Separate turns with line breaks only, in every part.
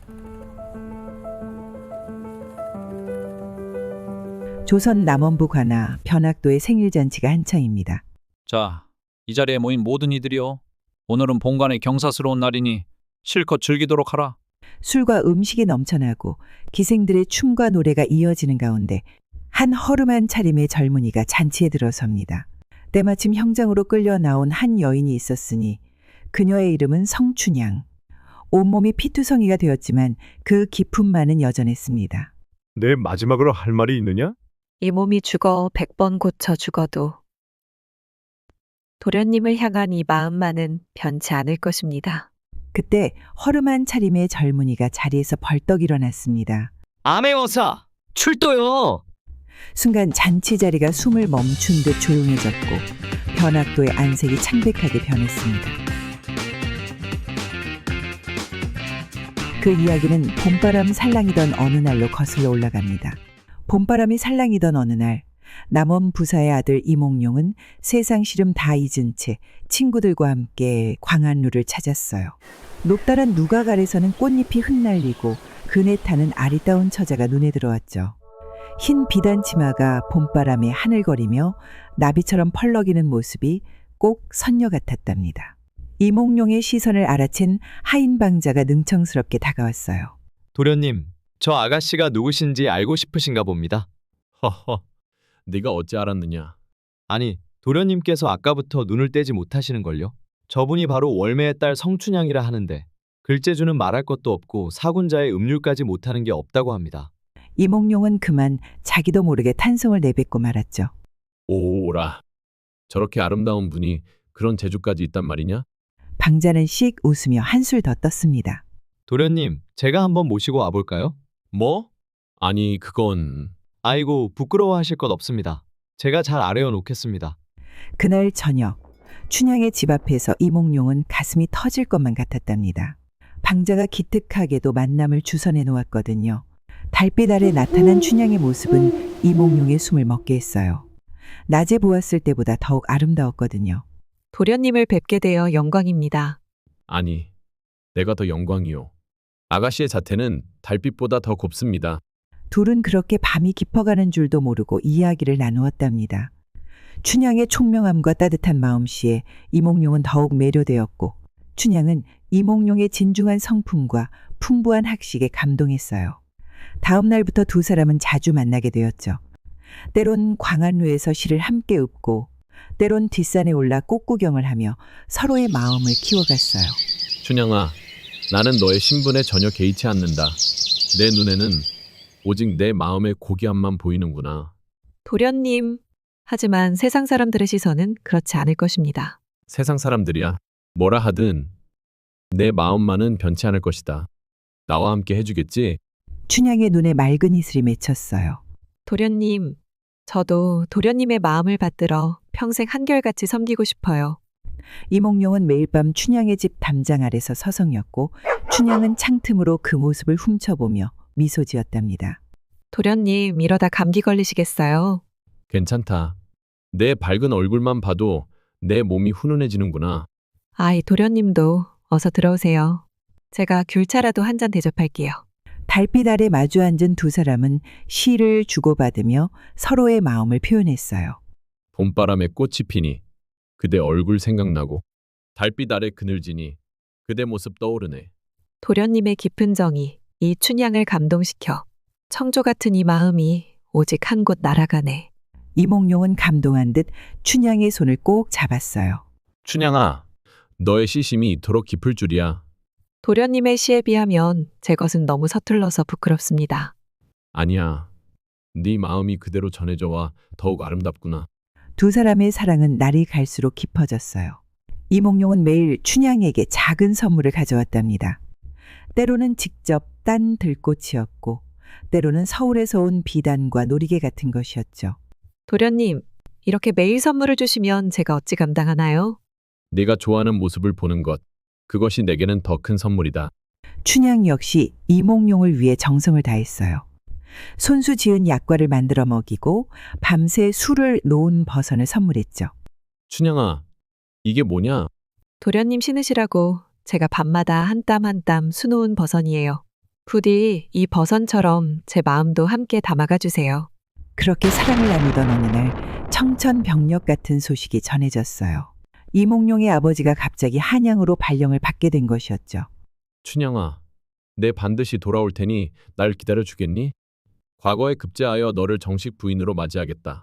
조선 남원부 관아 변학도의 생일잔치가 한창입니다.
자, 이 자리에 모인 모든 이들이여, 오늘은 본관의 경사스러운 날이니 실컷 즐기도록 하라.
술과 음식이 넘쳐나고 기생들의 춤과 노래가 이어지는 가운데 한 허름한 차림의 젊은이가 잔치에 들어섭니다. 때마침 형장으로 끌려 나온 한 여인이 있었으니 그녀의 이름은 성춘향. 온몸이 피투성이가 되었지만 그 기품만은 여전했습니다.
내 마지막으로 할 말이 있느냐?
이 몸이 죽어 100번 고쳐 죽어도 도련님을 향한 이 마음만은 변치 않을 것입니다.
그때 허름한 차림의 젊은이가 자리에서 벌떡 일어났습니다.
암행어사 출도요.
순간 잔치 자리가 숨을 멈춘 듯 조용해졌고 변학도의 안색이 창백하게 변했습니다. 그 이야기는 봄바람 살랑이던 어느 날로 거슬러 올라갑니다. 봄바람이 살랑이던 어느 날 남원 부사의 아들 이몽룡은 세상 시름 다 잊은 채 친구들과 함께 광안루를 찾았어요. 높다란 누각 아래서는 꽃잎이 흩날리고 그네 타는 아리따운 처자가 눈에 들어왔죠. 흰 비단 치마가 봄바람에 하늘거리며 나비처럼 펄럭이는 모습이 꼭 선녀 같았답니다. 이몽룡의 시선을 알아챈 하인방자가 능청스럽게 다가왔어요.
도련님, 저 아가씨가 누구신지 알고 싶으신가 봅니다.
허허, 네가 어찌 알았느냐?
아니, 도련님께서 아까부터 눈을 떼지 못하시는걸요? 저분이 바로 월매의 딸 성춘향이라 하는데 글재주는 말할 것도 없고 사군자의 음률까지 못하는 게 없다고 합니다.
이몽룡은 그만 자기도 모르게 탄성을 내뱉고 말았죠.
오라, 저렇게 아름다운 분이 그런 재주까지 있단 말이냐?
방자는 씩 웃으며 한술 더 떴습니다.
도련님, 제가 한번 모시고 와볼까요?
뭐? 아니, 그건...
아이고, 부끄러워하실 것 없습니다. 제가 잘 아뢰어 놓겠습니다. 그날
저녁 춘향의 집 앞에서 이몽룡은 가슴이 터질 것만 같았답니다. 방자가 기특하게도 만남을 주선해 놓았거든요. 달빛 아래 나타난 춘향의 모습은 이몽룡의 숨을 먹게 했어요. 낮에 보았을 때보다 더욱 아름다웠거든요.
도련님을 뵙게 되어 영광입니다.
아니, 내가 더 영광이요. 아가씨의 자태는 달빛보다 더 곱습니다.
둘은 그렇게 밤이 깊어가는 줄도 모르고 이야기를 나누었답니다. 춘향의 총명함과 따뜻한 마음씨에 이몽룡은 더욱 매료되었고 춘향은 이몽룡의 진중한 성품과 풍부한 학식에 감동했어요. 다음 날부터 두 사람은 자주 만나게 되었죠. 때론 광안루에서 시를 함께 읊고 때론 뒷산에 올라 꽃구경을 하며 서로의 마음을 키워갔어요.
춘향아, 나는 너의 신분에 전혀 개의치 않는다. 내 눈에는 오직 내 마음의 고귀함만 보이는구나.
도련님, 하지만 세상 사람들의 시선은 그렇지 않을 것입니다.
세상 사람들이야 뭐라 하든 내 마음만은 변치 않을 것이다. 나와 함께 해주겠지?
춘향의 눈에 맑은 이슬이 맺혔어요.
도련님, 저도 도련님의 마음을 받들어 평생 한결같이 섬기고 싶어요.
이몽룡은 매일 밤 춘향의 집 담장 아래서 서성였고 춘향은 창틈으로 그 모습을 훔쳐보며 미소 지었답니다.
도련님, 이러다 감기 걸리시겠어요?
괜찮다. 내 밝은 얼굴만 봐도 내 몸이 훈훈해지는구나.
아이, 도련님도 어서 들어오세요. 제가 귤차라도 한 잔 대접할게요.
달빛 아래 마주 앉은 두 사람은 시를 주고받으며 서로의 마음을 표현했어요.
봄바람에 꽃이 피니 그대 얼굴 생각나고 달빛 아래 그늘지니 그대 모습 떠오르네.
도련님의 깊은 정이 이 춘향을 감동시켜 청조 같은 이 마음이 오직 한 곳 날아가네.
이몽룡은 감동한 듯 춘향의 손을 꼭 잡았어요.
춘향아, 너의 시심이 이토록 깊을 줄이야.
도련님의 시에 비하면 제 것은 너무 서툴러서 부끄럽습니다.
아니야. 네 마음이 그대로 전해져와 더욱 아름답구나.
두 사람의 사랑은 날이 갈수록 깊어졌어요. 이몽룡은 매일 춘향에게 작은 선물을 가져왔답니다. 때로는 직접 딴 들꽃이었고 때로는 서울에서 온 비단과 놀이개 같은 것이었죠.
도련님, 이렇게 매일 선물을 주시면 제가 어찌 감당하나요?
네가 좋아하는 모습을 보는 것, 그것이 내게는 더 큰 선물이다.
춘향 역시 이몽룡을 위해 정성을 다했어요. 손수 지은 약과를 만들어 먹이고 밤새 술을 놓은 버선을 선물했죠.
춘향아, 이게 뭐냐?
도련님 신으시라고 제가 밤마다 한 땀 한 땀 수놓은 버선이에요. 부디 이 버선처럼 제 마음도 함께 담아가 주세요.
그렇게 사랑을 나누던 어느 날 청천벽력 같은 소식이 전해졌어요. 이몽룡의 아버지가 갑자기 한양으로 발령을 받게 된 것이었죠.
춘향아, 내 반드시 돌아올 테니 날 기다려 주겠니? 과거에 급제하여 너를 정식 부인으로 맞이하겠다.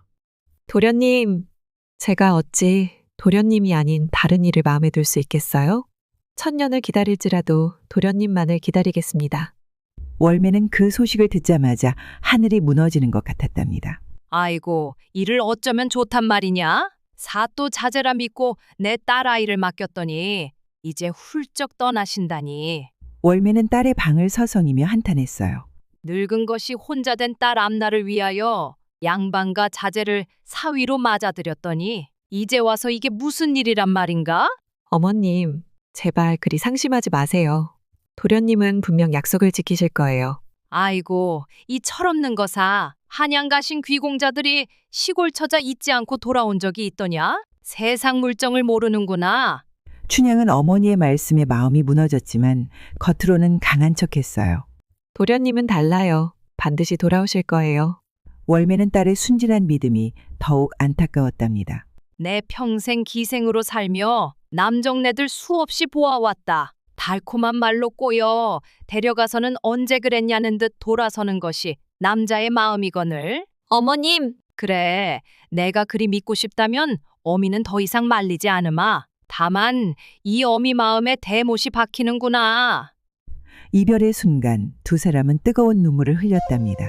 도련님, 제가 어찌 도련님이 아닌 다른 이를 마음에 둘 수 있겠어요? 천년을 기다릴지라도 도련님만을 기다리겠습니다.
월매는 그 소식을 듣자마자 하늘이 무너지는 것 같았답니다.
아이고, 이를 어쩌면 좋단 말이냐? 사또 자제라 믿고 내 딸아이를 맡겼더니 이제 훌쩍 떠나신다니.
월매는 딸의 방을 서성이며 한탄했어요.
늙은 것이 혼자 된 딸 앞날을 위하여 양반과 자제를 사위로 맞아들였더니 이제 와서 이게 무슨 일이란 말인가?
어머님, 제발 그리 상심하지 마세요. 도련님은 분명 약속을 지키실 거예요.
아이고, 이 철없는 거사. 한양 가신 귀공자들이 시골 처자 잊지 않고 돌아온 적이 있더냐? 세상 물정을 모르는구나.
춘향은 어머니의 말씀에 마음이 무너졌지만 겉으로는 강한 척했어요.
도련님은 달라요. 반드시 돌아오실 거예요.
월매는 딸의 순진한 믿음이 더욱 안타까웠답니다.
내 평생 기생으로 살며 남정네들 수없이 보아왔다. 달콤한 말로 꼬여 데려가서는 언제 그랬냐는 듯 돌아서는 것이 남자의 마음이거늘.
어머님!
그래, 내가 그리 믿고 싶다면 어미는 더 이상 말리지 않으마. 다만 이 어미 마음에 대못이 박히는구나.
이별의 순간 두 사람은 뜨거운 눈물을 흘렸답니다.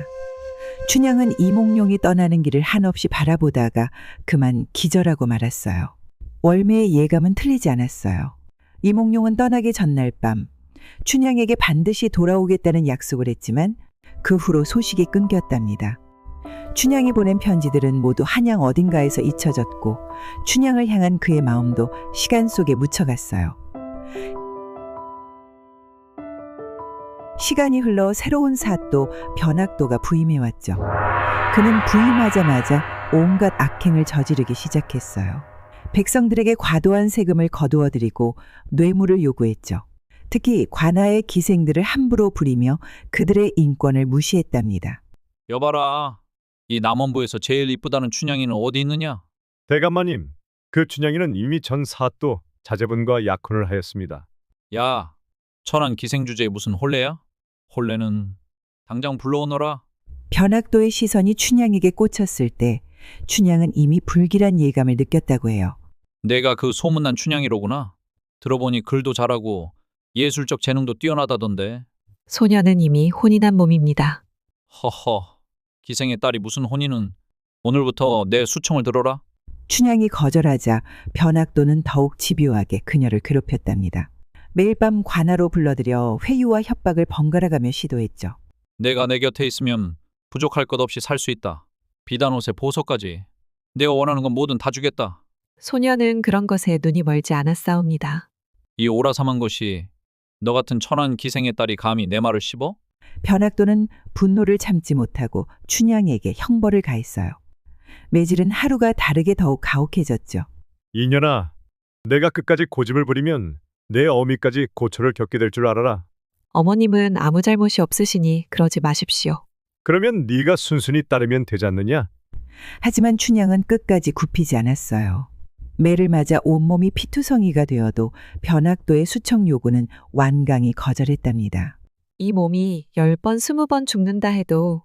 춘향은 이몽룡이 떠나는 길을 한없이 바라보다가 그만 기절하고 말았어요. 월매의 예감은 틀리지 않았어요. 이몽룡은 떠나기 전날 밤 춘향에게 반드시 돌아오겠다는 약속을 했지만 그 후로 소식이 끊겼답니다. 춘향이 보낸 편지들은 모두 한양 어딘가에서 잊혀졌고 춘향을 향한 그의 마음도 시간 속에 묻혀갔어요. 시간이 흘러 새로운 사또 변학도가 부임해왔죠. 그는 부임하자마자 온갖 악행을 저지르기 시작했어요. 백성들에게 과도한 세금을 거두어들이고 뇌물을 요구했죠. 특히 관아의 기생들을 함부로 부리며 그들의 인권을 무시했답니다.
여봐라. 이 남원부에서 제일 이쁘다는 춘향이는 어디 있느냐?
대감마님, 그 춘향이는 이미 전 사또 자제분과 약혼을 하였습니다.
야, 천안 기생주제에 무슨 혼례야? 혼례는 당장 불러오너라.
변학도의 시선이 춘향에게 꽂혔을 때 춘향은 이미 불길한 예감을 느꼈다고 해요.
내가 그 소문난 춘향이로구나. 들어보니 글도 잘하고 예술적 재능도 뛰어나다던데.
소녀는 이미 혼이 난 몸입니다.
허허, 기생의 딸이 무슨 혼이는. 오늘부터 내 수청을 들어라.
춘향이 거절하자 변학도는 더욱 집요하게 그녀를 괴롭혔답니다. 매일 밤 관아로 불러들여 회유와 협박을 번갈아가며 시도했죠.
내가 내 곁에 있으면 부족할 것 없이 살 수 있다. 비단옷에 보석까지. 내가 원하는 건 뭐든 다 주겠다.
소녀는 그런 것에 눈이 멀지 않았사옵니다.
이 오라삼한 것이 너 같은 천한 기생의 딸이 감히 내 말을 씹어?
변학도는 분노를 참지 못하고 춘향에게 형벌을 가했어요. 매질은 하루가 다르게 더욱 가혹해졌죠.
이년아, 내가 끝까지 고집을 부리면 내 어미까지 고초를 겪게 될 줄 알아라.
어머님은 아무 잘못이 없으시니 그러지 마십시오.
그러면 네가 순순히 따르면 되지 않느냐?
하지만 춘향은 끝까지 굽히지 않았어요. 매를 맞아 온몸이 피투성이가 되어도 변학도의 수청 요구는 완강히 거절했답니다.
이 몸이 10번, 20번 죽는다 해도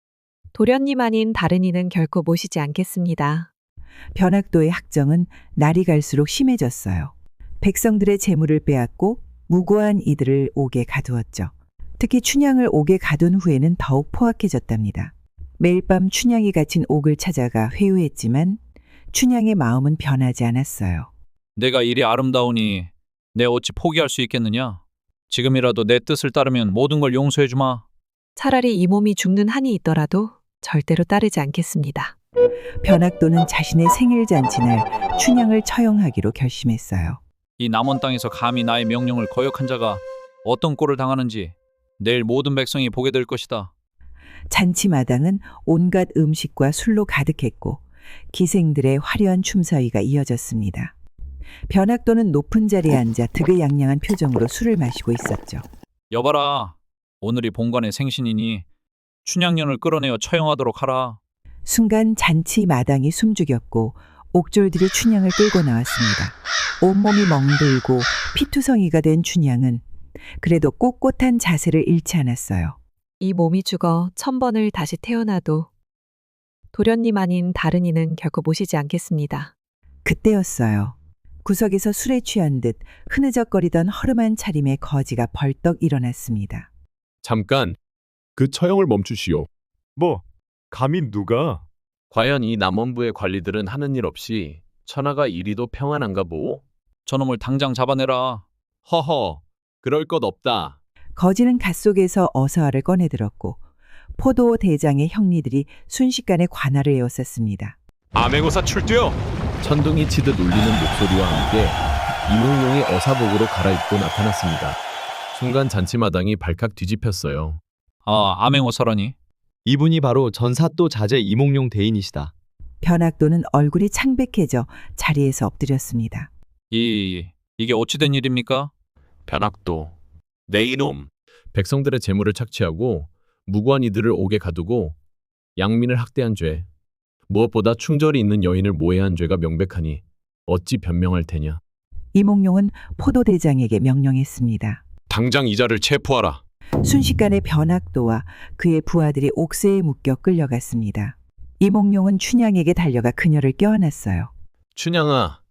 도련님 아닌 다른 이는 결코 모시지 않겠습니다.
변학도의 학정은 날이 갈수록 심해졌어요. 백성들의 재물을 빼앗고 무고한 이들을 옥에 가두었죠. 특히 춘향을 옥에 가둔 후에는 더욱 포악해졌답니다. 매일 밤 춘향이 갇힌 옥을 찾아가 회유했지만 춘향의 마음은 변하지 않았어요.
내가 이리 아름다우니 내 어찌 포기할 수 있겠느냐? 지금이라도 내 뜻을 따르면 모든 걸 용서해 주마.
차라리 이 몸이 죽는 한이 있더라도 절대로 따르지 않겠습니다.
변학도는 자신의 생일 잔치날 춘향을 처형하기로 결심했어요.
이 남원 땅에서 감히 나의 명령을 거역한 자가 어떤 꼴을 당하는지 내일 모든 백성이 보게 될 것이다.
잔치 마당은 온갖 음식과 술로 가득했고 기생들의 화려한 춤사위가 이어졌습니다. 변학도는 높은 자리에 앉아 득의양양한 표정으로 술을 마시고 있었죠.
여봐라. 오늘이 본관의 생신이니 춘향년을 끌어내어 처형하도록 하라.
순간 잔치 마당이 숨죽였고 옥졸들이 춘향을 끌고 나왔습니다. 온몸이 멍들고 피투성이가 된 춘향은 그래도 꼿꼿한 자세를 잃지 않았어요.
이 몸이 죽어 1000번을 다시 태어나도 도련님 아닌 다른 이는 결코 모시지 않겠습니다.
그때였어요. 구석에서 술에 취한 듯 흐느적거리던 허름한 차림의 거지가 벌떡 일어났습니다.
잠깐 그 처형을 멈추시오.
뭐 감히 누가?
과연 이 남원부의 관리들은 하는 일 없이 천하가 이리도 평안한가 보오?
저놈을 당장 잡아내라.
허허, 그럴 것 없다.
거지는 갓속에서 어서화를 꺼내들었고 포도 대장의 형리들이 순식간에 관할을 에워쌌습니다.
암행어사 출두요.
천둥이 치듯 울리는 목소리와 함께 이몽룡이 어사복으로 갈아입고 나타났습니다. 순간 잔치마당이 발칵 뒤집혔어요.
아, 암행어사라니.
이분이 바로 전사또 자제 이몽룡 대인이시다.
변학도는 얼굴이 창백해져 자리에서 엎드렸습니다.
이게 어찌 된 일입니까?
변학도, 내 이놈. 백성들의 재물을 착취하고 무고한 이들을 옥에 가두고 양민을 학대한 죄, 무엇보다 충절이 있는 여인을 모해한 죄가 명백하니 어찌 변명할 테냐.
이몽룡은 포도 대장에게 명령했습니다.
당장 이자를 체포하라.
순식간에 변학도와 그의 부하들이 옥새에 묶여 끌려갔습니다. 이몽룡은 춘향에게 달려가 그녀를 껴안았어요.
춘향아,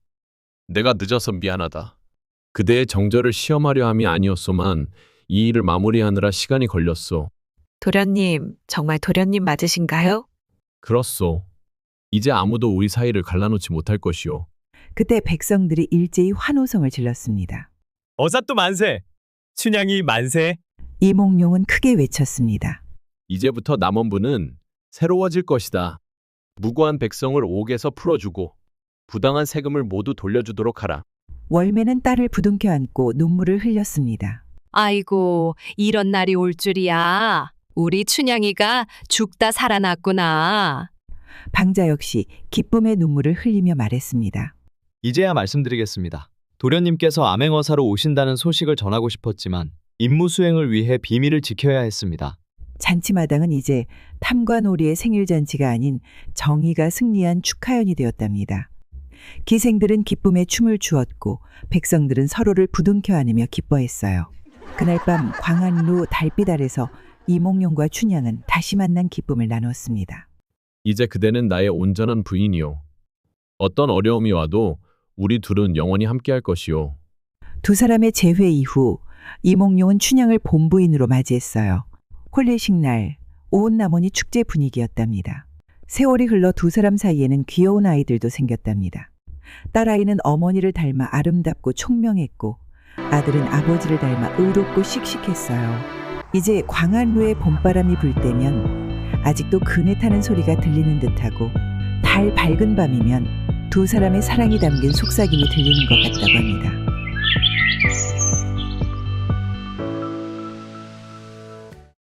내가 늦어서 미안하다. 그대의 정절을 시험하려 함이 아니었소만 이 일을 마무리하느라 시간이 걸렸소.
도련님, 정말 도련님 맞으신가요?
그렇소. 이제 아무도 우리 사이를 갈라놓지 못할 것이오.
그때 백성들이 일제히 환호성을 질렀습니다.
어사또 만세. 춘향이 만세.
이몽룡은 크게 외쳤습니다.
이제부터 남원부는 새로워질 것이다. 무고한 백성을 옥에서 풀어주고 부당한 세금을 모두 돌려주도록 하라.
월매는 딸을 부둥켜 안고 눈물을 흘렸습니다.
아이고, 이런 날이 올 줄이야. 우리 춘향이가 죽다 살아났구나.
방자 역시 기쁨의 눈물을 흘리며 말했습니다.
이제야 말씀드리겠습니다. 도련님께서 암행어사로 오신다는 소식을 전하고 싶었지만 임무 수행을 위해 비밀을 지켜야 했습니다.
잔치마당은 이제 탐과 놀이의 생일잔치가 아닌 정의가 승리한 축하연이 되었답니다. 기생들은 기쁨에 춤을 추었고 백성들은 서로를 부둥켜 안으며 기뻐했어요. 그날 밤 광안루 달빛 아래서 이몽룡과 춘향은 다시 만난 기쁨을 나눴습니다.
이제 그대는 나의 온전한 부인이오. 어떤 어려움이 와도 우리 둘은 영원히 함께할 것이오.
두 사람의 재회 이후 이몽룡은 춘향을 본부인으로 맞이했어요. 혼례식 날 온 남원이 축제 분위기였답니다. 세월이 흘러 두 사람 사이에는 귀여운 아이들도 생겼답니다. 딸아이는 어머니를 닮아 아름답고 총명했고 아들은 아버지를 닮아 의롭고 씩씩했어요. 이제 광안루에 봄바람이 불 때면 아직도 그네 타는 소리가 들리는 듯하고 달 밝은 밤이면 두 사람의 사랑이 담긴 속삭임이 들리는 것 같다고 합니다.